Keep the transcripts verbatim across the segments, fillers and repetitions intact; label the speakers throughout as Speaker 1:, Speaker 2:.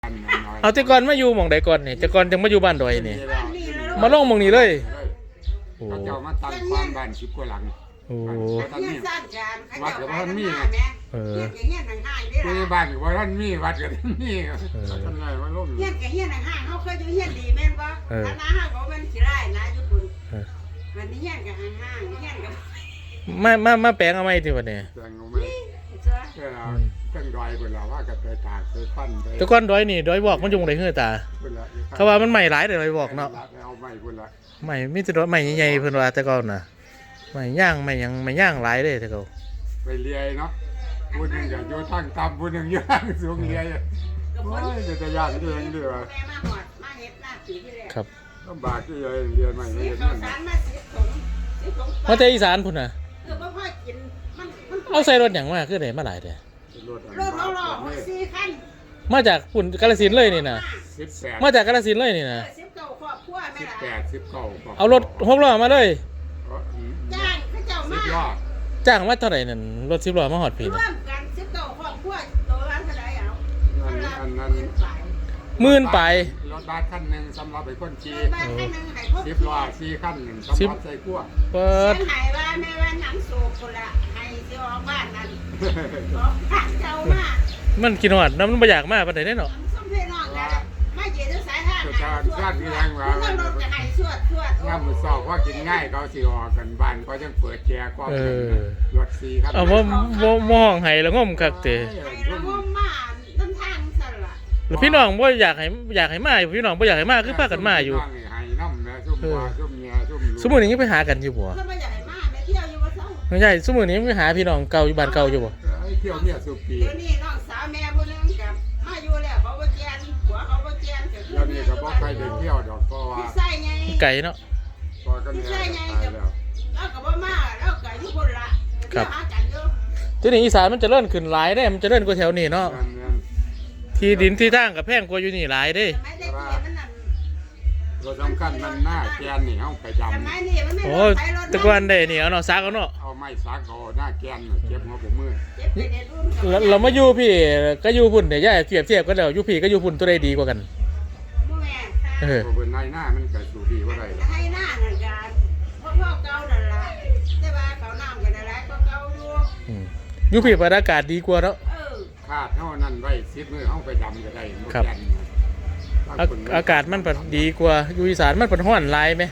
Speaker 1: เอาแต่ก่อนมาอยู่หม่องใดก่อนนี่แต่ก่อนจังมาอยู่บ้านดอยนี่มาลงหม่องนี้เลยโอ้
Speaker 2: เขาเจ้ามาตั้งความบ้านสิบกว่าหลัง
Speaker 1: โอ้
Speaker 2: ท่านมีวัดกับท่านมีไง
Speaker 1: เออ
Speaker 2: ผู้ใหญ่บ้านกับว่าท่านมีวัดกับท่านมีท่านไงว่าลง
Speaker 3: เฮียนกับเฮียนห่างๆเขาเคยอยู่เฮียนดีแม่นบ่ถ้าหน้าห้างเขาเป็นขี้ไร่นะยุคุณวันนี้เฮียนกับห่างๆเฮียนกับ
Speaker 1: มามามาแปลงเอาไหมที่วันนี้
Speaker 2: แจงเอาไหมเออเราตั้งดอยคนเราว่ากันไปตากไปปั้นไป
Speaker 1: แต่ก่อนดอยนี่ดอยบอกมันอยู่หม่องใดเฮือตาเขาว่ามันใหม่หลายแต่ดอยบอกเนาะ
Speaker 2: เอาใหม่คนละ
Speaker 1: ใหม่มีแต่ดอยใหม่ใหญ่ๆเพิ่นว่าแต่ก่อนน่ะใหม่ย่างใหม่หยังใหม่ย่างหลายเด้แต่ก่อน
Speaker 2: ไปเลียเนาะผู้หนึ่งอย่าอยู่ทั้งต่ำผู้หนึ่งอยู่ทั้งสูงเลียโอ้ยจะยากที่เองด้วยวะ
Speaker 3: แม่มาหอดมาเฮ็ดหน้าปีที่แล้ว
Speaker 1: ครับ
Speaker 2: ลำบากที่เลยเรียนใหม่ไม่
Speaker 3: ซื้อ
Speaker 2: เห็น
Speaker 3: ข้าว
Speaker 2: นั่น
Speaker 3: สารมาสิบถุงสิบถุง
Speaker 1: มาแต่อีสานพุ่นน่ะ
Speaker 3: เออบ่พอกินมันมัน
Speaker 1: เอาใส่รถหยังมาคือได้มาหลายเด้
Speaker 2: รถ
Speaker 3: รถเราๆหกสี่คัน
Speaker 1: มาจากพุ่นกาฬสินธุ์เลยนี่น่ะ
Speaker 2: สิบแปด
Speaker 1: มาจากกาฬสินธุ์เลยนี่น่ะ
Speaker 3: สิบเก้าครอบครัวแม่
Speaker 2: สิบ
Speaker 3: ล่ะ
Speaker 2: แปดสิบเก้า
Speaker 1: เอารถหกล้อมาเลย
Speaker 3: จ้างเขาเจ้า
Speaker 2: สิ
Speaker 3: มา
Speaker 2: บล้อ
Speaker 1: จ้างมาเท่าไหร่นั่นรถสิบล้อมาฮอดพี่
Speaker 3: ร่
Speaker 1: น่ะ
Speaker 3: วมกันสิบเก้าครอบครัวตัวละเท่าไหร่เอา
Speaker 2: อันนั้นอันนั้น
Speaker 1: หมื่นไป
Speaker 2: รถบัสคันหนึ่งสำหรับไปคนขี่
Speaker 3: บ้านให้นึงให้ครบ
Speaker 2: สิบล้อสี่คันหนึ่งสำหรับใส่ขั้ว
Speaker 1: เปิ
Speaker 3: เสีย
Speaker 1: ด
Speaker 3: งหายว่าแม่ว่าหนังสูบคนละให้สิออกบ้านนั่นออกบ้านเจ้ามา
Speaker 1: มันกินฮอดน้ำมันบ่อยากมาปานใดเด้เนาะ
Speaker 3: สมเพน้องนะมาเจอสายทางหายสวดนั่งรถจะหายสวดสวด
Speaker 2: งามมือสอบว่ากินง่ายเขาสิออกกันบ้านเขาจังเปิดแจกก็รถสี่คัน
Speaker 1: เอาบ่บ่มองให้แล้วงมคักเตะ
Speaker 3: ให้ระงมมาต้นทางสั่นล่ะ
Speaker 1: แล้วพี่น้องบ่อยากให้อยากให้มาพี่น้องบ่อยากให้มาคือพากันมาอยู่
Speaker 2: ให้น้ำนะซุ่มว่าซุ่มเมียซุ่ม
Speaker 1: สมมุตินี้ยังไปหากันอยู่บ่
Speaker 3: แล้วมาอยากให้มาแม่เที่ยวอยู่ว่าเศร้า
Speaker 1: ไม่ใช่สมมุตินี้ยังไปหาพี่น้องเก่าอยู่บ้านเก่าอยู่บ่
Speaker 2: เที่ยวเนี่ยสุปี
Speaker 3: เดี๋ยวนี้น้องสาวแม่ผู้นึงกับมาอยู่แล้วเขาบ่แจนหัวเขาบ่แจนก็คือ
Speaker 2: เดี๋ยวนี้ก็บ่ใครได้เที่ยวดอกเพราะว่า
Speaker 3: พี่ใส่ไง
Speaker 1: ไก่เนาะ
Speaker 2: พอกันเนี่ยตายแล้ว
Speaker 3: แล้วก็บ่มาแล้วก็อยู่คนละเที่ยวหากันอยู่
Speaker 1: ทีนี้อีสานมันเจะเริ่นขึ้นหลายเด้มันเจะเริ่นกว่าแถวนี้เนาะ
Speaker 2: นั่นนั่น
Speaker 1: ที่ดินที่ทางก็แพงกว่าอยู่นี่หลายเด้
Speaker 3: สมัยเด็กๆมันนั่น
Speaker 2: รถสำคัญมันหน้าแกนนี่เฮาไปจ
Speaker 3: สมัยนี้มันไม่
Speaker 1: โอ้
Speaker 3: รถไฟรถ
Speaker 1: แตะกอนได้นี่เอาเนาะซักเอาเนาะ
Speaker 2: ำเอาไม้สักเอาหน้าแกนเก็บหัวผมมือ
Speaker 3: เจ็บไปในรุ่นกับ
Speaker 1: เราเรามาอยู่พี่ก็อยู่พุ่นเดี๋ยวย่าเทียบเทียบกันแล้วอยู่พี่ก็อยู่พุ่นตัวใดดีกว่ากัน
Speaker 3: ผู้แม่
Speaker 1: เออ
Speaker 2: บ่เป็นนายหน้ามันก็สู่ดีว่าได้
Speaker 3: ให้หน้านั่นกันเพราะพ่อเก่านั่นล่ะแต่ว่าเขาน้ำกันอะไรก็เก่าอยู่
Speaker 1: อืมอยู่พี่บรรยากาศดีกว่าเนาะ
Speaker 3: เออ
Speaker 2: คาดเท่านั้นไว้สิบมือเฮาไปดำก็ได้บ่แกน
Speaker 1: อาอากาศมันปัดดีกว่าอยู่อีสานมันปัดร้อนหลายไหม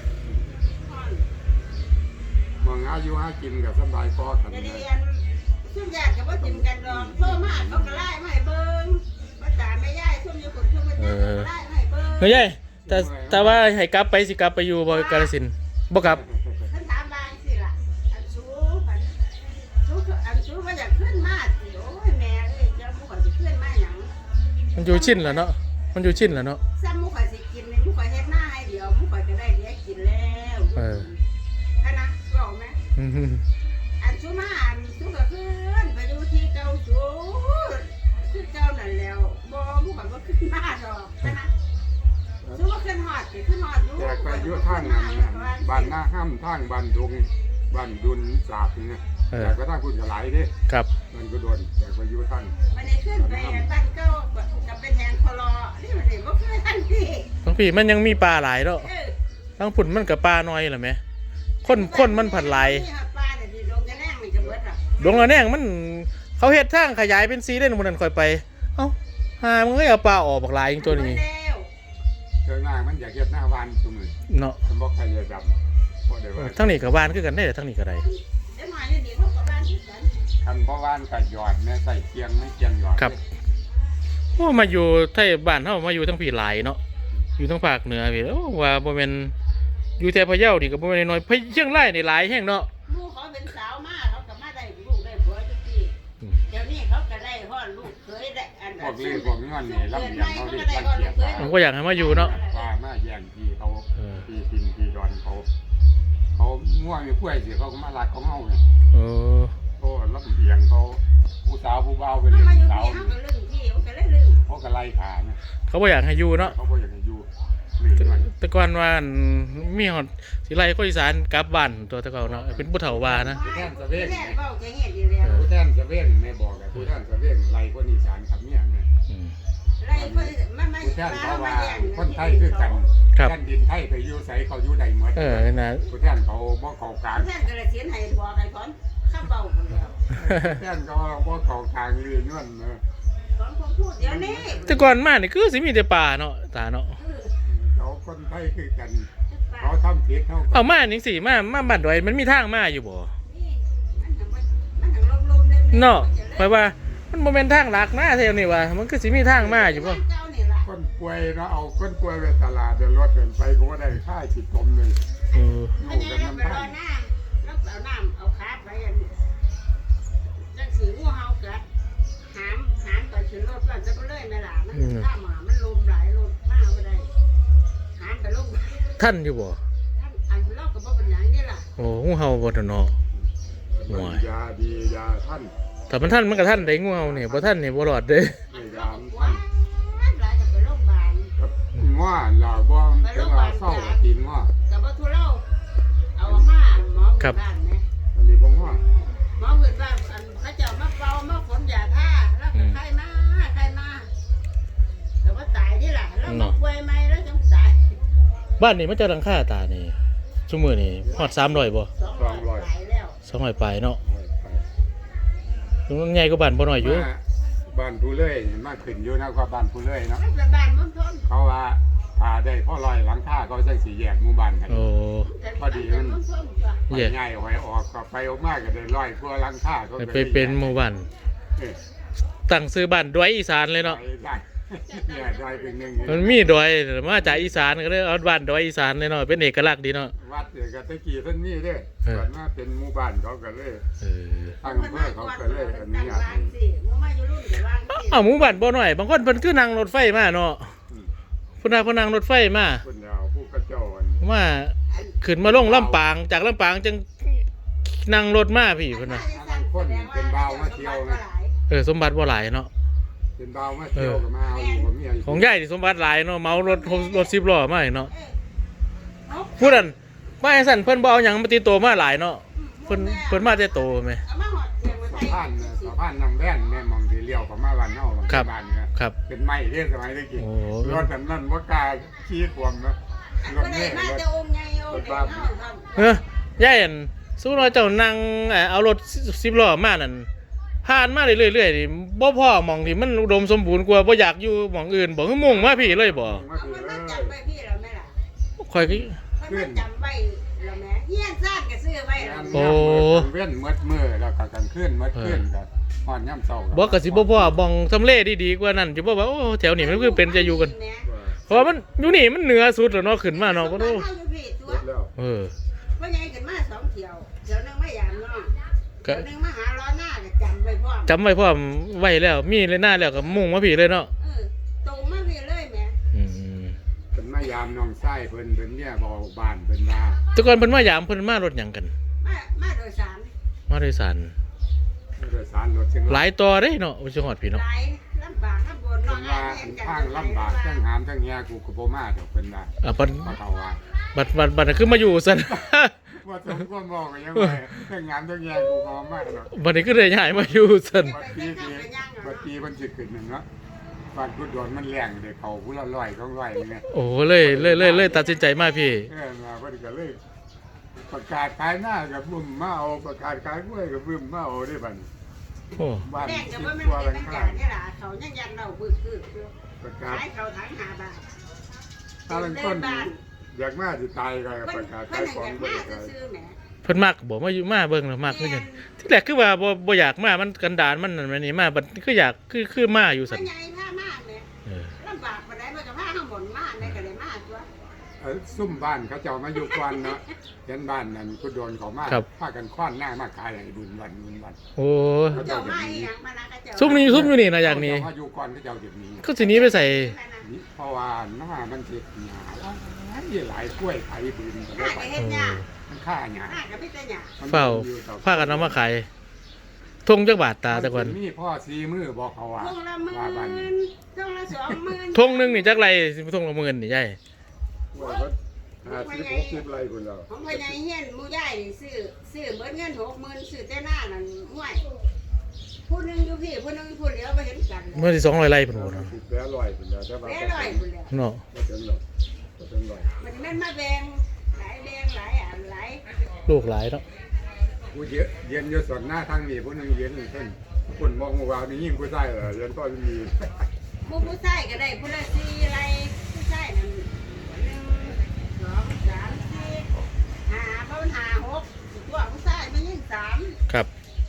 Speaker 2: มองอายุหากินกับสบายพอกัน
Speaker 3: เดี๋ยวเรียนซุ่มญาติกับว่าจิ้มกันดองโทรมาเขาก็ไล่มาให้เบิ่งว่าตาแม่ยายซุ่มอยู่คนซุ่มกันยายก็ไล่มาให้เบิ่ง
Speaker 1: เฮ้ยยายแต่แต่ว่าให้กลับไปสิกลับไปอยู่บ่กาฬสินธุ์บ่กลับ
Speaker 3: ท่านถามบางสิล่ะอันสูอันสูอันสูว่าอยากขึ้นมาสิโอ้ยแม่เอ้ยเจ้ามุขสิขึ้นมาหยัง
Speaker 1: มันอยู่ชินแล้วเนาะมันอยู่ชินแล้วเนาะ
Speaker 3: ซ้ำมุขสิกินเลยมุขเฮ็ดหน้าให้เดี๋ยวมุขจะได้เลี้ยงกินแล้วคณะบอกไหม
Speaker 1: อืม
Speaker 3: อันสูมาอันสูก็ขึ้นไปดูที่เก่าสูขึ้นเก่านั่นแล้วบ่มุขบ่ขึ้นมาดอกคณะสูว่าขึ้นฮอดสิขึ้นฮอดอยู่
Speaker 2: แจกไปเยอะทางนั้นบ้านหน้าห้ามทางบ้านดงบ้านดุนสาบนี่นะแต่ก็ทางคุณก็หลายเด้
Speaker 1: ครับ
Speaker 2: มันก็โดนแจกไปเยอะทาง
Speaker 3: วันนี้ขึ้นไปบ้านเก่ากับเป็นแหงคลอนี่มันสิบ่ขึ้นทันที
Speaker 1: ทั้งพี่มันยังมีปลาหลายเนาะ
Speaker 3: เออ
Speaker 1: ทั้งพุ่นมันกับปลาน้อยเหรอแม่คนคนมันผัดหลาย
Speaker 3: ปลาเนี่ยที่ลงจะแน่งมันจะเบิดอ่ะ
Speaker 1: ดวงละแนงมันเขาเฮ็ดทางขยายเป็นซีเล่นบนนั้นค่อยไปเอ้าหามึงเอ้ยเอาปลาออกบักหลายจริงตัวนี้
Speaker 2: เจอหน้ามันอยากเก็บหน้าวานสมือ
Speaker 1: เนาะ
Speaker 2: มันบอกใครจะดำเพราะเดี๋ยวว่า
Speaker 1: ทั้งนี้กับบ้านคือกันได้แต่ทั้งนี้ก็ได้
Speaker 3: เดี๋ยวมาเนี่ยเดี๋ยวเขากับบ้านที่กัน
Speaker 2: คันเพราะวานกับหยอดเนี่ยใส่เกียงไม่เกียงหยอด
Speaker 1: ครับโอ้มาอยู่ไทยบ้านเฮามาอยู่ทั้งพี่หลายเนาะอยู่ทั้งภาคเหนือพี่โอ้ว่าบ่แม่นอยู่แต่พะเยานี่ก็บ่แม่นน้อยๆพะเชียงรายนี่หลายแฮงเนาะ
Speaker 3: ลูกเขาเป็นสาวมากเขากับมาได้ลูกได้ผัวทุกทีเดี๋ยวนี้เขาก็ได้พ่อลูกเคยได้อัน
Speaker 2: พวกเลี้ยพวกนี้มันนี่ลำเลียงเขาเรียกลำเกียร
Speaker 1: ผมก็อยากให้มาอยู่เนาะ
Speaker 2: ปลามาแย่งทีเขาทีพินทีดอนเขาเขาง่วงอยู่กล้วยสิเขาก็มาลักของเฮาไง
Speaker 1: เออ
Speaker 2: โอ้ลำเลียงเขาผู้สาวผู้เบาไป
Speaker 3: เขา
Speaker 2: เลย
Speaker 3: มาอยู่
Speaker 2: สาว
Speaker 3: ที่เขาก็ลึงที่เขาก็เลยลึง
Speaker 2: เขาก็ไล่ขาเนี่ย
Speaker 1: เขาบ่อยากให้อยู่เนาะ
Speaker 2: เขาบอกอย่างนี้อยู่หรือมัน
Speaker 1: แต่ก่อนว่ามีฮอดสิไล่คนอีสานกลับบ้านตัวแตะเก่าเนาะเป็นผู้เฒ่าว่านะ
Speaker 3: แม่เบ้าจะเห็นอยู่แล้ว
Speaker 2: ผู้แทนสะเว่งแม่บอกเลยผู้แทนสะเว่งไล่คนอีสานครับเนี่ยแม่
Speaker 1: อืม
Speaker 3: ไไล่เพิ่นมามา
Speaker 2: ผู้แทนเขาว่า
Speaker 3: แย่ง
Speaker 2: คนไทยคือกัน
Speaker 1: ครับ
Speaker 2: แผ่นดินไทยไปอยู่ไสเขาอยู่ใดหมด
Speaker 1: เออนะ
Speaker 2: ผู้แทนเขาบ่เข้ากลาง
Speaker 3: แท่นกระเสียนให้บอกให้ถอนข้าเบาคนเดียว
Speaker 2: แท่นเขาบ่เข้ากลางเรียนนั่นเนอะ
Speaker 3: ถอนความพูดเดี๋ยวนี้
Speaker 1: แต่ก่อนมานี่คือสิมีแต่ป่าเนาะตาเนาะ
Speaker 2: เขาคนไทยคือกันเขาทำผิดเขา
Speaker 1: เอามาจังซี่มามาบ้านดอยมันมีทางมาอยู่บ่
Speaker 3: มันถึงมันถึงลมๆเลย
Speaker 1: เนาะหมายว่ามันบ่แม่นทางหลักนะแถวนี้ว่ามันคือสิมีทางมาอยู่บ่
Speaker 3: เจ้านี่ล่ะ
Speaker 2: คนป่วยเนาะเอาคนป่วยไปตลาดเดินรถเดินไปก็บ่ได้ค่าสิตมเลย
Speaker 1: เออ
Speaker 2: อยู่
Speaker 3: อันนี้
Speaker 2: กัน
Speaker 3: เราไป
Speaker 2: น้ำ
Speaker 3: รอ
Speaker 2: ตาล
Speaker 3: น้ำเราเอาน้ำเอาขาไปอันจังสีงูเห่ากัดหามหามไปขึ้นรถก่อนจะไปเลยแม่ล่ะมันข้ามมามันลมหลายลมมากบ่ได้หามไปลง
Speaker 1: ท่านอยู่บ่
Speaker 3: ท่านอันเราก็บ่เป็นหยังนี่ล่ะ
Speaker 1: โอ้งูเห่าบ่ทันเนาะ
Speaker 2: ยาดียาท่าน
Speaker 1: แต่มันท่านมันก็ท่านได้งูเห่านี่บ่ท่านนี่บ่รอดเด้
Speaker 2: ให้ยาม
Speaker 3: ว้า
Speaker 2: ท่าน
Speaker 3: หลายจะไปโรงพยาบาล
Speaker 2: ครับง้อหล่าบ่ถึงว่าเศร้าก็กินง้อ
Speaker 3: กับบ่ทุเลาเอามาหมอหมู่บ้านแม่
Speaker 2: อันนี้บ่ง้อ
Speaker 3: หมอหมู่บ้านอันเขาเจ้ามาเป่ามาฝนยาท่าแล้วก็ไข้มาไข้มาแต่ว่าตายนี่ล่ะแล้วมาป่วยใหม่แล้วจังตาย
Speaker 1: บ้านนี่มันจะหลังคาตานี่ซุมื้อนี่ฮอดสามร้อยบ่
Speaker 3: สองร้อยตายแล้ว
Speaker 1: สองร้อยปลายเนาะมันใหญ่กว่าบ้านบ่น้อยอยู่
Speaker 2: มาบ้านผู้เลื่อยมาขึ้นอยู่นะก็บ้านผู้เลื่อยเนาะ
Speaker 3: มันเป็นบ้านมันทน
Speaker 2: เขาว่าพาได้พ่อลอยหลังคาเขาจังสีแยกหมู่บ้านกัน
Speaker 1: โอ้
Speaker 3: พอดีมันทนจ้ะ
Speaker 2: ไปง่ายหอยออกก็ไปออกมาก็ได้ลอยกว่าหลังคาก็
Speaker 1: ไปเป็นหมู่บ้าน
Speaker 2: เออ
Speaker 1: ตั้งซื้อบ้านดอยอีสานเลยเนาะ
Speaker 2: ไปได้เนี่ยดอยเป็นหนึ่ง
Speaker 1: มันมีดอยมาจากอีสานก็เลยเอาบ้านดอยอีสานเลยเนาะเป็นเอกลักษณ์ดีเนาะ
Speaker 2: วัดเดี๋ยวก็ตะกี้เพิ่นมีเด้
Speaker 1: เออ
Speaker 2: ก่อนมาเป็นหมู่บ้านเขาก็เลย
Speaker 1: เออ
Speaker 2: ตั้งอำเภอเขาก็เลยอนุญาตให้
Speaker 3: สิมึงมาอยู่รุ่นเดี๋ยววางสิ
Speaker 1: เอ้าหมู่บ้านบ่น้อยบางคนเพิ่นคือนั่งรถไฟมาเนาะ
Speaker 2: อืม
Speaker 1: เพิ่นน่ะเพิ่นนั่งรถไฟมา
Speaker 2: คนยาวผู้กระเจ้าอัน
Speaker 1: มาขึ้นมาลงลำปางจากลำปางจังนั่งรถมาพี่เพิ่นน่ะ เออสมบัติบ่หลายเนาะ
Speaker 2: เป็นเบามาเที่ยวก็มาเอาอยู่กับเมียอยู่
Speaker 1: ของยายนี่สมบัติหลายเนาะเมารถรถสิบล้อมาอีกเนาะ
Speaker 3: เอ้า
Speaker 1: ผู้นั้นมาให้สั่นเพิ่นบ่เอาหยังมาติดตัวมาหลายเนาะเพิ่นเพิ่นมาแต่โตแม่
Speaker 3: เอามาหอดเตียงไว้
Speaker 2: สะ
Speaker 3: ใส่
Speaker 2: พานน่ะสะพานนำแว่นแม่มองที่เลี้ยวเข้ามาบ้านเฮาบาง
Speaker 1: ครับ
Speaker 2: บ้านเนี่ย
Speaker 1: ครับ
Speaker 2: เป็นไม้เด้สมัยตะกี้
Speaker 1: โอ้
Speaker 2: รถอันนั้นบ่กล้าขี่ความนะรถ
Speaker 3: ก็ได้
Speaker 2: นี่
Speaker 3: มาร
Speaker 2: ถ
Speaker 3: แต่องค์ใหญ่องค์เด็กเฮาครับ
Speaker 1: เออยายอันสู้ว่าเจ้านั่งเอ่อเอารถสิบล้อมานั่นผ่านมาเรื่อยๆนี่บ่พอหม่องที่มันอุดมสมบูรณ์กว่าบ่อยากอยู่หม่องอื่นบ่คือมุ่งมาพี่เลยบ่
Speaker 2: มา
Speaker 3: เอา
Speaker 2: สิ
Speaker 3: เพิ่น
Speaker 2: เล
Speaker 3: มาย จำไว้พี่แล้วแม่ล่ะ
Speaker 1: ข่อยก็
Speaker 3: เพิ่นมาจำไว้แล้วแม่เฮียนซ่านก็ซื้อไว้แล้ว
Speaker 1: โอ้
Speaker 2: เว้นมืดมือแล้วก็กลางคืนมืดคืนก็ฮอดยามเช้า
Speaker 1: บ่ก็สิบ่พอหม่องทำเลดีๆกว่านั้นสิบ่ว่าโอ้แถวนี้มันคือเป็นจะอยู่กัน เพราะว่ามันอยู่นี่มันเหนือสุดแล้วเนาะขึ้นมาเนาะบ่รู้
Speaker 3: เฮาอยู่พี่ตัว
Speaker 2: เสร็จแล้ว
Speaker 1: เออ
Speaker 3: ว่าใหญ่ขึ้นมาสองเที่ยวเที่ยวหนึงมายามน้อง
Speaker 1: ก็
Speaker 3: เที่ยวหนึงมาหาล้อหน้าก็จำไว้พร้อม
Speaker 1: จำไว้พร้อมไว้แล้วมีเลยหน้าแล้วก็มุ่งมาพี่เลยเนาะ
Speaker 3: เออตรงมาพี่เลยแม่
Speaker 1: อืม
Speaker 2: เป็นมายามน้องไส้เพิ่นเพิ่นเนี่ยบอกบ้านเพิ่นว่า
Speaker 1: แต่ก่อนเพิ่นมายามเพิ่นมารถหยังกัน
Speaker 3: มามาโดยสาร
Speaker 1: มาโดยสาร
Speaker 2: โดยสารรถเชียง
Speaker 1: ห
Speaker 2: ราย
Speaker 1: ลายต่อเด้เนาะอุจฮอดพี่
Speaker 3: ห
Speaker 1: เนาะ
Speaker 3: ลายลำบากลำบน
Speaker 2: เพิ่
Speaker 3: เนาะ
Speaker 2: นว่าอันทางลำบากทั้งหามทั้งแฮกูก็บ่มาดอกเพิ่นว่า
Speaker 1: อ่ะบัด
Speaker 2: บ่เขาว่า
Speaker 1: บัดบัดบัดน่ะคือมาอยู่ซั่น
Speaker 2: ว่าสมควรบอกก็ยังไงทั้งหามทั้งแฮกูก็บ่มาดอก
Speaker 1: บัดนี้ก็ได้ย้ายมาอยู่ซั่น
Speaker 2: บัดปีที่บัดปีมันสิขึ้นนั่นเนาะบ้านพุทธโดนมันแรงเด้เขาผู้ละร้อยสองร้อยนี่แหละ
Speaker 1: โอ้เลยเลยเลยเลยตัดสินใจมาพี่
Speaker 2: เออมาเพิ่นก็เลยประกาศขายหน้ากับบึ้มมาเอาประกาศขายกล้วยกับบึ้มมาเอาได้บัดนี้
Speaker 1: โอ้
Speaker 2: บ้าน
Speaker 3: แด
Speaker 2: สิ
Speaker 3: ง
Speaker 2: บ
Speaker 3: ก็บ่แม่
Speaker 2: กว่าน หลั
Speaker 3: เป็น
Speaker 2: ง
Speaker 3: จั
Speaker 2: คาง
Speaker 3: นี่ล่ะเขายังยันเราบึกบึกอยู่
Speaker 2: ประกาศ
Speaker 3: ขายเขาถังห้าบาท
Speaker 2: ถ้าลังคนอยากมาสิตายก็
Speaker 3: เพิ่
Speaker 2: ป
Speaker 3: น
Speaker 2: ระกาศ
Speaker 3: เพิ่
Speaker 2: ขาน ย
Speaker 3: อ
Speaker 2: ของ
Speaker 3: ยาก
Speaker 2: บ่
Speaker 3: มา
Speaker 2: ได้ขาย
Speaker 3: ซื้อๆแหม
Speaker 1: เพิ่นมักบ่มาอยู่มาเบิ่งแล้วมักคือกันที่แรกคือว่าบ่บ่อยากมามันกันดานมันนั่นมันนี่มาบัดคืออยากคือคือมาอยู่
Speaker 3: พ่
Speaker 1: ซั่
Speaker 3: อน ใหญ่พามาแหม
Speaker 1: เออ
Speaker 3: ลำบากปานใดมันก็พาข้างบนมาได้ก็เลยมาตัว
Speaker 2: เอ้ยซุ่มบ้านเขาเจ้ามาอยู่ก่อนเนาะเห็นบ้านนั้นพุทธโดนเขามาพากันคว้านหน้ามาขายให้บุญวันบุญวัน
Speaker 1: โอ้
Speaker 3: เจ้ามาอีหยังมานะก็เจ้า
Speaker 1: ซุ่มนี้ซุ่มอยู่นี่นะอย่างนี้
Speaker 2: เขาอยู่ก่อนเขาเจ้าเดี๋ยวนี้
Speaker 1: ก็สิหนี้ไปใส่
Speaker 2: นี่เพราะว่าหน้ามันเจ็บหนาหลายกล้วยไผ่บืนก็
Speaker 3: หน้า
Speaker 2: ได้
Speaker 3: ก็
Speaker 2: ไป
Speaker 3: เฮ็ดหยา
Speaker 2: มันฆ่าหยา
Speaker 3: หน้าก็มีแต่หยา
Speaker 1: เฝ้าพากันเอามาขายทงจักบาทตาแต่ก่อน
Speaker 2: มีพ่อซีมือบอกเขาว่า
Speaker 3: ทงละหมื่
Speaker 2: ว่าบ้านนี้
Speaker 3: นทงละสองหมื่น
Speaker 1: ทงหนึงนี่จักไรสิทงละหมื่นนี่ใหญ่
Speaker 2: ว่าก็ห้าสิบหกสิบไรคนเรา
Speaker 3: ของพ่อใหญ่เฮียนหมู่ใหญ่นี่ซื้อซื้อเบิดเงินหกหมื่นซื้อแต่หน้านั่นห่วยผู้หนึงอยู่พี่ผู้หนึงผู้เดียวบ่เห็นกันเลย
Speaker 1: เมื่อที่สองร้อยไร่พุ่นบ่เนาะ
Speaker 2: สิบแล้วร้อยพุ่นแล้วแต่ว่า
Speaker 3: แม่ร้อยพุ่นแล้ว
Speaker 1: เนาะ
Speaker 2: บ่ถึงหรอกบ่ถึงร้อย
Speaker 3: มันแม่นมาแบ่งหลายแบ่งหลายอันหลาย
Speaker 1: ลูกหลายเนาะ
Speaker 2: ผู้เยอะเย็นอยู่ส่วนหน้าทางนี้ผู้หนึงเย็นเพิ่นคนมองว่านี่ยิ่งผู้ชายเหรอเย็นก็มี
Speaker 3: ผู้ผู้ชายก็ได้ผู้ละสี่ไรผู้ชายนั่นหนึ่งสองสามสี่ห้าเพราะมันห้าหกตัวผู้ชายมันยิ่งสาม
Speaker 1: ครับ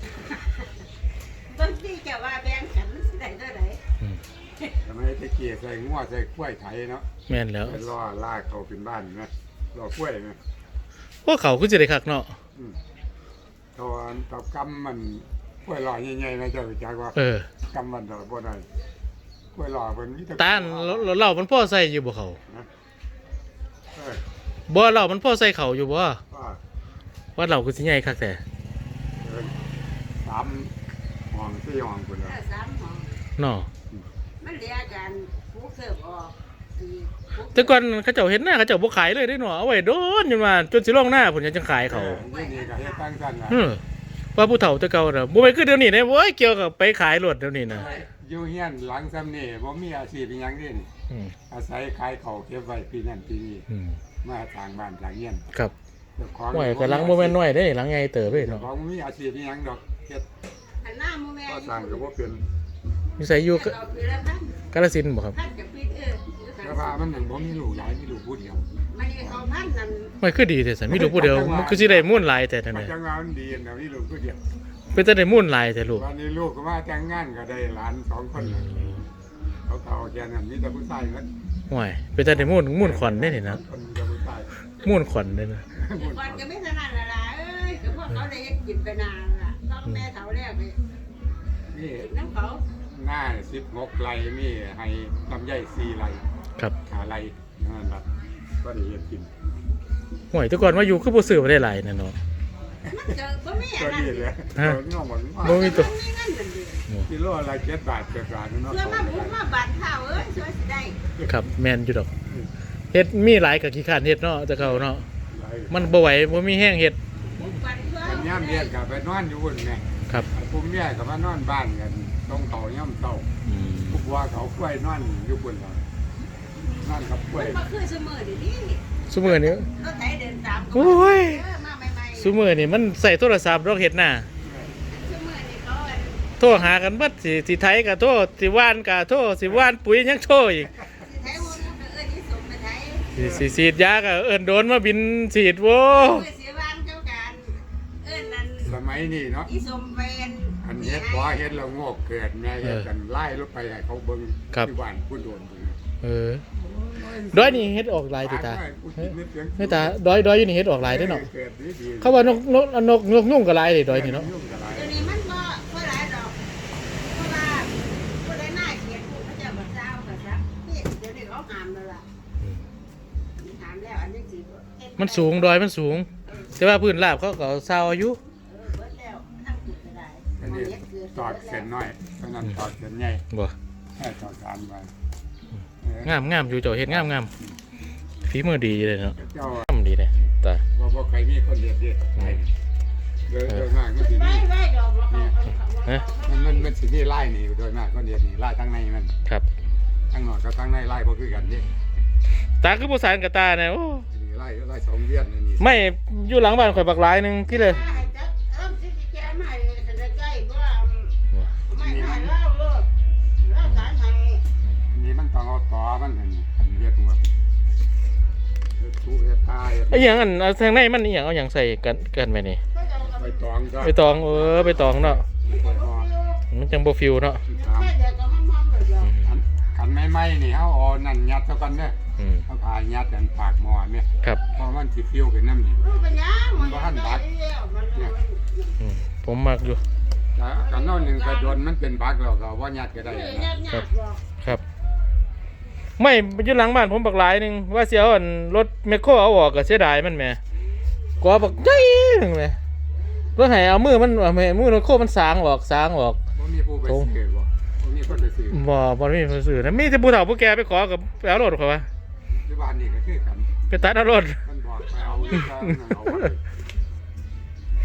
Speaker 3: บางทีจะว่าแบ่งกันมันสิได้เท่าไหร่
Speaker 1: อืม
Speaker 2: ทำไมตะเกียใส่งัวใส่กล้วยไถเนาะ
Speaker 1: แม่นแล้ว
Speaker 2: ไปล่อลากเขาขึ้นบ้านนะล่อกล้วยนะ
Speaker 1: พวกเขาคือสิได้คักเนาะ
Speaker 2: อืมตอนตอกำมันกล้วยหล่อใหญ่ๆนะเจ้ารู้จักว่า
Speaker 1: เออก
Speaker 2: ำมันดอกบ่ได้กล้วยหล่อเพิ่นมีแต่
Speaker 1: ตาลเราเรามันพ่อใส่อยู่บ่เขา
Speaker 2: นะเออ
Speaker 1: บ่เรามันพ่อใส่เขาอยู่บ่
Speaker 2: ว่า
Speaker 1: ว่าเราคือสิใหญ่คักแต่
Speaker 2: เออสามห้องสี่ห้องพุ่น
Speaker 3: เอ
Speaker 2: น่ะ
Speaker 3: อสามห้อง
Speaker 1: เนาะ
Speaker 3: มันเหลือกันผู้เสิร์ฟออกอีกผู้
Speaker 1: แต่ก่อนเขาเจ้าเห็นหน้าเขาเจ้าบ่ขายเลยได้เนาะเอาไว้โดนจนว่าจนสิลงหน้าพุ่นยังจังขายเขา
Speaker 2: ออนี่นี่ก็เฮ็ดตั้งซั่นน่ะ
Speaker 1: เออว่าผู้เฒ่าแต่เก่าน่ะบ่แม่นคือเดี๋ยวนี้นะโว้ยเกี่ยวกับไปขายรถเดี๋ยวนี้นะ
Speaker 2: อยู่เฮียนหลังซ้ำนี่บ่มีอาชีพอีหยังเด้นี่
Speaker 1: อืม
Speaker 2: อาศัยขายข้าวเก็บไว้ปีนั้นปีนี้
Speaker 1: อืม
Speaker 2: มาทางบ้านทางเฮียน
Speaker 1: ครับ
Speaker 2: เจ้าของ
Speaker 1: โอ้ยก็หลังบ่แม่นน้อยเด้หลังใหญ่เติบเด้
Speaker 2: เจ้า
Speaker 1: เนาะ
Speaker 2: ของบ่มีอาชีพอีหยังดอกเฮ็ด
Speaker 3: หันหน้ามูแม่
Speaker 2: ก็สร้างก็บ่เป็น
Speaker 1: นิสัยอยู่
Speaker 3: ก็เอาปีละพัน
Speaker 1: กาฬสินธุ์บ่ครับ
Speaker 3: พันกับปีเอออยู่กัน
Speaker 2: แต่ว่ามันยังบ่มีลูกหลายมีลูกผู้เดียว
Speaker 3: มันนี่เขาพันนั่น
Speaker 1: ไม่คือดีแต่สันมีลูกผู้เดียวมันคือสิได้มุ่นหลายแต่นั่น
Speaker 2: มัน
Speaker 1: น่ะ
Speaker 2: จังว่ามันดีนะมีลูกผู้เดียว
Speaker 1: เป็นแต่ได้มุ่นหลายแต่ลูก
Speaker 2: วันนี้ลูกก็มาแต่งงานก็ได้หลานสองคนน่ะเขาเฒ่าแก่นั้นมีแต่ผู้ชายนั้น
Speaker 1: ห่วยเป็นแต่ได้มุ่นมุ่นขวัญได้นี่นะ
Speaker 2: คนมีแต่ผู้ชาย
Speaker 1: มุ่นขวัญได้นะ
Speaker 3: ก่อนก็ไม่ถนัดละล่ะเอ้ยก็พวกเขาได้กินไปนานล่ะต้องแม่เฒ่าแล้วไป
Speaker 2: นี่
Speaker 3: กินน้ำเขา
Speaker 2: หน้าสิบหกไร่มีให้ลำไยสี่ไร่
Speaker 1: ครับ
Speaker 2: หาไร่นั่นล่ะก็ได้เฮ็ดกิน
Speaker 1: ห่วยแต่ก่อนว่าอยู่คือบ่ซื้อบ่ได้หลายนั่นเนาะ
Speaker 3: มันเจอบ่มี
Speaker 2: ก็
Speaker 3: อันนั้น
Speaker 2: ดีเลย
Speaker 1: ฮะ
Speaker 2: ตัวนี้หมด
Speaker 1: บ่มีตัว
Speaker 3: มีเงินนั่นดิ
Speaker 2: กิโลละเจ็ดบาทเจ็ดบาทเนาะ
Speaker 3: เพื่อมาบุกมาบัตรข้าวเอ้ยช่วยสิได้
Speaker 1: ครับแม่นอยู่ดอกเฮ็ดมีหลายก็ขี้คร้านเฮ็ดเนาะแต่เก่าเนาะ
Speaker 2: หลาย
Speaker 1: มันบ่ไหวบ่มีแห้งเฮ็ด
Speaker 3: บุกบัตรเพื่อ
Speaker 2: กันย่ำเรียนกับไปนอนอยู่บนไง
Speaker 1: ครับ
Speaker 2: ผมเนี่ยกับมานอนบ้านกันต้องเขาย่ำเต้า
Speaker 1: อืม
Speaker 2: พวกว่าเขากล้วยนอนอยู่บนเรานอนกับกล้วย
Speaker 3: มันก็คือเสมอดินี่
Speaker 1: ซุมื้อนี้
Speaker 3: รถไถเดินตาม
Speaker 1: โอ้ย
Speaker 3: เออมาใหม่ๆ
Speaker 1: ซุมื้อนี้มันใส่โทรศัพท์ดอกเฮ็ดหน้า
Speaker 3: เสมอนี่เขาอัน
Speaker 1: โทรหากันเบิดสิสิไถก็โทรสิว่านก็โทรสิว่านปุ๋ยยังโทรอีก
Speaker 3: สิไถหัวมันก็เอิ้นที่สมไปไถ
Speaker 1: สิสิฉีดยาก็เอิ้นโดนมาบินฉีดโว้
Speaker 3: เพื่อเสียบ้านเจ้าการเอิ้นนั่น
Speaker 2: สมัยนี้เนาะ
Speaker 3: อีสมเป็น
Speaker 2: อันเฮ็ดพอเฮ็ดแล้วงอกเกิดแม่เฮ็ดกันไล่รถไปให้เขาเบิ่งที่บ้านผู้โดน
Speaker 1: เออดอยนี่เฮ็ดออกหลายติตาไม่ตาดอยดอยอยู่นี่เฮ็ดออกหลายเด้อเนาะ
Speaker 2: เกิดดีๆ
Speaker 1: เขาว่านกนกนกนกยุ่งก็หลายเลยดอยนี่เนาะ
Speaker 2: ยุ่งกับหลาย
Speaker 3: เดี๋ยวนี้มันก็ก็หลายดอกเพราะว่าผู้ใดหน้าเขียนผู้เขาจะบ่เจ้าก็ซักนี่เดี๋ยวนี้เขาห้ามแล้วล่ะห้ามแล้วอันนี้สิเฮ็ด
Speaker 1: มันสูงดอยมันสูง แต่ว่าพื้นราบเขาก็เอาซาวอายุ
Speaker 3: เออเบิดแล้วทั้งจุดก็ได้
Speaker 2: อันนี้ตอดเส้นน้อยเพราะนั้นตอดเส้นใหญ่
Speaker 1: บ่
Speaker 2: แค่ตอดสามไว้
Speaker 1: งามงามอยู่เจ้าเฮ็ดงามงามฝีมือดีเลยเนาะ
Speaker 2: เจ้าง
Speaker 1: ามดีเลยตา
Speaker 2: บ่บ่ใครมีคนเด็ดเด็ดใครโดยโดยมากมันสิ
Speaker 3: ไว้
Speaker 2: มี
Speaker 3: ไว้ดอกบ่เขาเอาเขา
Speaker 2: มันมันมันสิมีไล่นี่โดยมากคนเด็ดนี่ไล่ทั้งในมัน
Speaker 1: ครับ
Speaker 2: ทั้งนอกกับทั้งในไล่บ่คือกันนี่
Speaker 1: ตาคือบ่สานกับตาเนี่ยโอ้
Speaker 2: นี่ไล่ไล่สองเวียนนี่
Speaker 1: ไม่อยู่หลังบ้านข่อยบักหลายหนึงที่เลย
Speaker 3: ให้จักเอิ่มสิแกมาให้กันใกล้ๆบ่ไม่ให้เล่าโลดเล่าสารให้
Speaker 2: อันนี้มันต้องเอาต่อมันหั่นอันเฮ็ดหัวเฮ็ดทุเฮ็ดตาย
Speaker 1: ไอ้หยังอันเอาทางในมันอีหยังเอาหยังใส่กันกันไปนี่
Speaker 3: ก็จะเอา
Speaker 2: ไปตองก็
Speaker 1: ไปตองเออไปตองเนาะ
Speaker 2: ไปห่อ
Speaker 1: มันจังบ่ฟิวเนาะ
Speaker 2: ที่สาม
Speaker 3: แค่เดี๋ยวก็มันมองเลยเดี๋ยว
Speaker 2: อันคันไม่ไหม้นี่เฮาเอานั่นยัดซะก่อนเด้อ
Speaker 1: อืม
Speaker 2: เฮาพายัดอันปากหม้อเนี่ย
Speaker 1: ครับ
Speaker 2: เพราะมันสิฟิวขึ้นน้ำนี่
Speaker 3: รู้เป็นยังมันได้แล้วมัน
Speaker 1: อืมผมมักอยู่
Speaker 2: แต่กันนอนหนึงก็โดนมันเป็นบักแล้วก็บ่ยัดก็ได้
Speaker 3: เออ
Speaker 2: นะ
Speaker 3: ญาติญาติบอก
Speaker 1: ครับ ไม่อยู่หลังบ้านผมบักหลายหนึงว่าสิเอาอันรถแมคโครเอาออกก็เสียดายมันแหมกว่าบักใหญ่หนึงแหมรถให้เอามือมันเอาแม่มือรถโคมันสางออกสางออก
Speaker 2: บ่มีผู้ไปซื้อบ่บ่มีคนไปซื้อ
Speaker 1: บ่บ่มีผู้ซื้อนะมีแต่ผู้เฒ่าผู้แก่ไปขอกับไปเอารถเขาว่า
Speaker 2: ที่บ้านนี่ก็คือกัน
Speaker 1: ไปตัดเอารถ
Speaker 2: มันบอกไปเอาอีกก็เอาไว้ข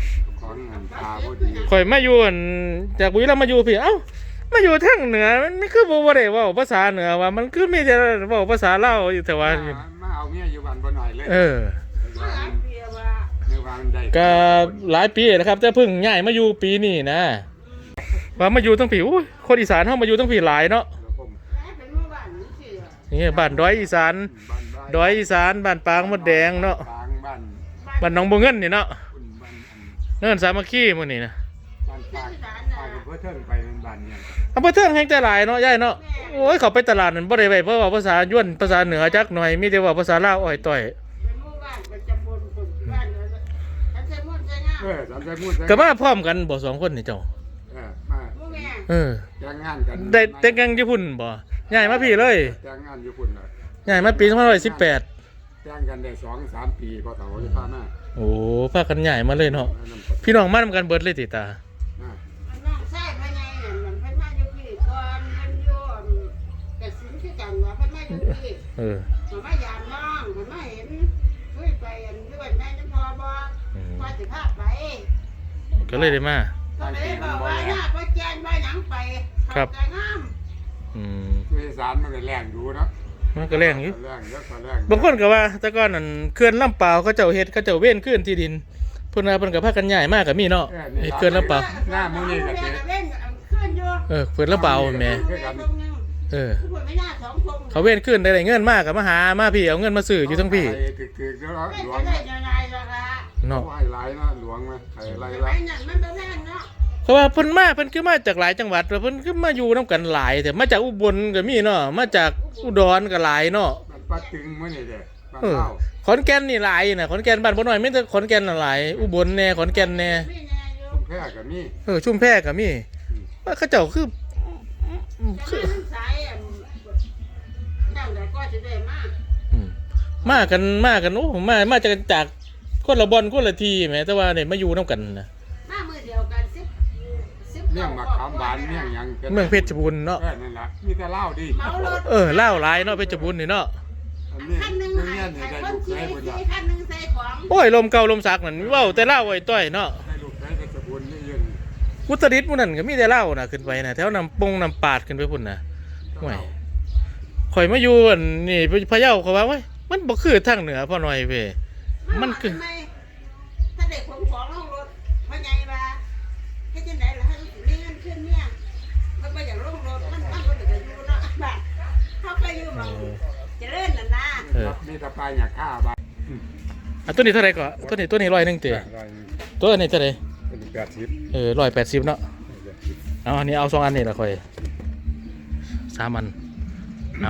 Speaker 2: ของงานตาพอดี
Speaker 1: ข่อยมาอยู่อั่นจากบุรีรัมย์มาอยู่พี่เอ้ามาอยู่ทางเหนือมันไม่คือบ่บ่ได้เว้าภาษาเหนือว่ามันคือมีแต่เว้าภาษาลาวอยู่แต่ว่า
Speaker 2: มามาเอาเมียอยู่บ้านบ่หน่อยเลย
Speaker 1: เออ
Speaker 3: มาหลายปีว่า
Speaker 2: ในวางได้
Speaker 1: ก็หลายปีนะครับแต่เพิ่งย้ายมาอยู่ปีนี้นะว่ามาอยู่ตั้งผีอุ้ยคนอีสานเฮามาอยู่ตั้งผีหลายเนาะ
Speaker 2: ผม
Speaker 3: แม่เป็นหมู่บ้านนี่สิอะ
Speaker 1: นี่บ้านดอยอีสาน
Speaker 2: บ้านบ้าน
Speaker 1: ดอยอีสานบ้านปางมดแดงเนาะ
Speaker 2: บางบ้าน
Speaker 1: บ้านหนองบัวเงินนี่เนาะ
Speaker 2: คุณบ้านอัน
Speaker 1: เนินสามัคคีหมื้อนี้นะ
Speaker 2: บ้านปากปากกับเพื่อเทิงไปเป็นบ้านเนี่ย
Speaker 1: อำเภอเทิงแห่งแต่หลายเนาะยายเนาะโอ้ยเขาไปตลาดนั่นบ่ได้ไปเพราะว่าภาษาย้วนภาษาเหนือจักหน่อยมีแต่ว่าภาษาลาวอ้อยต้อย
Speaker 3: เป็นหมู่บ้านประจำบนคนบ้านเลยท่านใช้มุ่นใช้งาม
Speaker 2: เออสามใจพูด
Speaker 1: ก็มาพร้อมกันบ่สองคนนี่เจ้า
Speaker 2: เออมา
Speaker 3: หมู่แม่
Speaker 1: เออ
Speaker 2: แต่งงานกัน
Speaker 1: ได้แต่งงานญี่ปุ่นบ่ย้ายมาพี่เลย
Speaker 2: แต่งงานอยู่พุ่นเลย
Speaker 1: ย้ายมาปีสองพันห้าร้อยสิบแปด
Speaker 2: แต่งกันได้สองสามปีพอเฒ่าจะพามา
Speaker 1: โอ้พากันย้ายมาเลยเนาะ
Speaker 2: แล้วนำ
Speaker 1: พี่น้องมานำกันเบิดเลยติตา
Speaker 2: อ่า
Speaker 3: มันน้องใช้พญายนั่นมันเพิ่นมาอยู่พี่ก่อนเพิ่นอยู่กระสินคือกันว่าเพิ่นมาอยู่พี่
Speaker 1: เออ
Speaker 3: มันมายามน้องมันมาเห็นช่วยไปอันอยู่บ้านแม่จังพอบ่
Speaker 1: อืม
Speaker 3: พอสิพาไป
Speaker 1: ก็เลยได้มา
Speaker 3: ก็เลยบอกว่าหน้าบ่แจ้งบ่หยังไป
Speaker 1: ครับ
Speaker 3: เข้าใจงาม
Speaker 1: อืม
Speaker 2: คืออีสารมันก็แรงดูเนาะ
Speaker 1: มันก็แรงอยู่
Speaker 2: แรงเยอะก็แรง
Speaker 1: บางคนก็ว่าแต่ก่อนนั่นเขื่อนลำเปล่าวเขาเจ้าเฮ็ดเขาเจ้าเว้นขึ้นที่ดินเพิ่นว่าเพิ่นก็พากันย้ายมาก็มีเนาะเฮ็ดเขื่อนลำเปล่าว
Speaker 2: หน้ามื้อนี้ก็เจ๊
Speaker 3: เล่นขึ้นอยู่
Speaker 1: เออเขื่อนลำเปล่าวแหม่
Speaker 3: เล่นตรงนึง
Speaker 1: เออ
Speaker 3: ผู้ไม่น่าสองคง
Speaker 1: เขาเว้นขึ้นได้เงินมากก็มาหามาพี่เอาเงินมาซื้ออยู่ทั้งพี่
Speaker 2: คือคือเดี๋ยวเรา
Speaker 3: เล่น
Speaker 2: หลว
Speaker 3: จะ
Speaker 2: ง
Speaker 3: ได้ยังไงล่ะคะ
Speaker 1: เนาะ
Speaker 2: ไหว้หลายนะหลวงนะไข่ไร
Speaker 3: ไอ้
Speaker 2: ละ
Speaker 3: นั่นมันบ่แม่นเนาะ
Speaker 1: เพราะว่าเพิ่นมาเพิ่นคือมาจากหลายจังหวัดแล้วเพิ่นคือมาอยู่นํกันหลายแต่มาจากอุบลก็มีเนาะมาจากอุดรก็หลายเนาะ
Speaker 2: มันปัดตึงมื้อนี้เด้บ้าน
Speaker 1: เออ
Speaker 2: เฮา
Speaker 1: ขอนแก่นนี่หลายน่ะขอนแก่นบ้านบ่น้อยมีแต่ขอนแก่นน่ะหลายอุบลแน่ขอนแก่นแน่
Speaker 3: มีแน่อยู่
Speaker 2: ชุมแพก็มี
Speaker 1: เออชุมแพก็มีว่าเขาเจ้าคือ
Speaker 3: จะมาทั้งสายอันนั่นแหละก็จะได้มาก
Speaker 1: อืมมากันมากันโอ้มามาจากจากคนละบอลคนละทีแหมแต่ว่าเนี่ยมาอยู่นํกันนะ
Speaker 3: มามือเดียวกันสิบสิบ
Speaker 2: เมี่ยงมะขามหวานเมี่ยงหยัง
Speaker 1: เมืองเพชรบูรณ์เนาะ
Speaker 2: เออนั่นล่ะมีแต่เหล้าดิ
Speaker 3: เมารถ
Speaker 1: เออเล่าวหลายเนาะเพชรบูรณ์นี่เนาะ
Speaker 2: อันนี้
Speaker 3: คันหนึ่ง
Speaker 2: เมี่
Speaker 3: ให้
Speaker 2: ยงนี่
Speaker 3: ให้
Speaker 2: ได้
Speaker 3: คน
Speaker 2: ลูก
Speaker 3: ขี่
Speaker 2: ได้พุ่นล่ะ
Speaker 3: ขี่คันหนึ่งใส่ของ
Speaker 1: โอ้ยลมเก่าลมสักนั่นเว้าแต่เล่าวไอ้ต้อยเนาะ
Speaker 2: ได้ลูกได้เพชรบุญนี่ยืน
Speaker 1: อุตรดิตถ์หมู่นั่นก็มีแต่เล่าวน่ะขึ้นไปน่ะแถวนำปงนำปาดขึ้นไปพุ่นน่ะห่วยข่อยมาอยู่อันนี่พะเยาเขาว่าเว้ยมันบ่คือทางเหนือพ่อหน่อยเว้ย มันคือ
Speaker 3: ทำไถ้าเด็กขนของลงรถพ่อใหญ่ว่าเฮ็ดจังได๋ล่ะให้มีเงินขึ้นเนี่ยมันบ่อยากลงรถมันมันบ่ได้อยู่เนาะบ้านเขาก็อยู่หม้องเจริญนั่นนะ
Speaker 1: เออ
Speaker 2: มีแตะปลายหยักข้าบ้าน
Speaker 1: อ่ะตัวนี้เท่าไหร่ก็ตัวนี้ตัวนี้ร้อยหนึงติ
Speaker 2: ร้อย
Speaker 1: ตัวนี้เท่าไหร่
Speaker 2: เป็นแปดสิบ
Speaker 1: เออร้อยแปดสิบเนาะเอาอันนี้เอาสองอันนี่ละข่อยสามอันเอา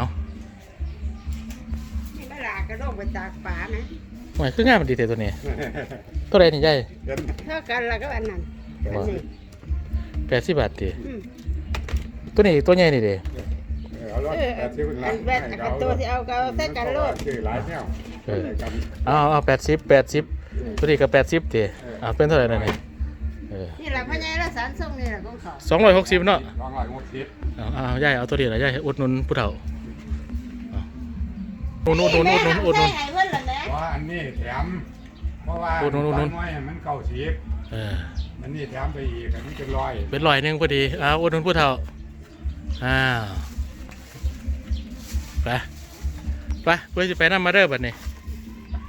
Speaker 3: นี่เวลากระโดดไปตากป่านะ
Speaker 1: ห่วยคืองามมันดีแต่ตัวนี้ตัวใดนี่ใหญ่
Speaker 2: เงิน
Speaker 3: เท่ากันแล้วก็อันนั้นอันนี้
Speaker 1: แปดสิบบาทติ
Speaker 3: อืม
Speaker 1: ตัวนี้ตัวใหญ่นี่เด้
Speaker 2: เอาร้อย
Speaker 3: เออ
Speaker 2: แปดสิบ
Speaker 3: อันแบตกับตัวที่เอาก็เอาใส่กันโลด
Speaker 2: คือหลายแนว
Speaker 1: เออ
Speaker 2: กัน
Speaker 1: เอาเอาแปดสิบแปดสิบตัวนี้ก็แปดสิบติเอาเป็นเท่าไหร่นั่นนี่เออ
Speaker 3: นี่แหละพ่อใหญ่ละสารส่งนี่แหละของเขา
Speaker 1: สองร้อยหกสิบเนาะ
Speaker 2: สองร้อยหกสิบ
Speaker 1: เอาเอาใหญ่เอาตัวนี้ละใหญ่อุดหนุนผู้เฒ่าเอาอุดหนุนอุดหนุนอุดหนุนอุดหนุน
Speaker 3: ใส่ให้เพิ่นล่ะแหละ
Speaker 2: เพราะอันนี้แถมเพราะว่า
Speaker 1: อุดหนุนอุดหนุน
Speaker 2: น้อยมันเก้าสิบ
Speaker 1: เออ
Speaker 2: อันนี้แถมไปอีกอันนี้เป็นร้อย
Speaker 1: เป็นร้อยหนึงพอดีเอาอุดหนุนผู้เฒ่าอ้าวไปไปเพื่อจะไปนั่นมาเด้อบัดนี้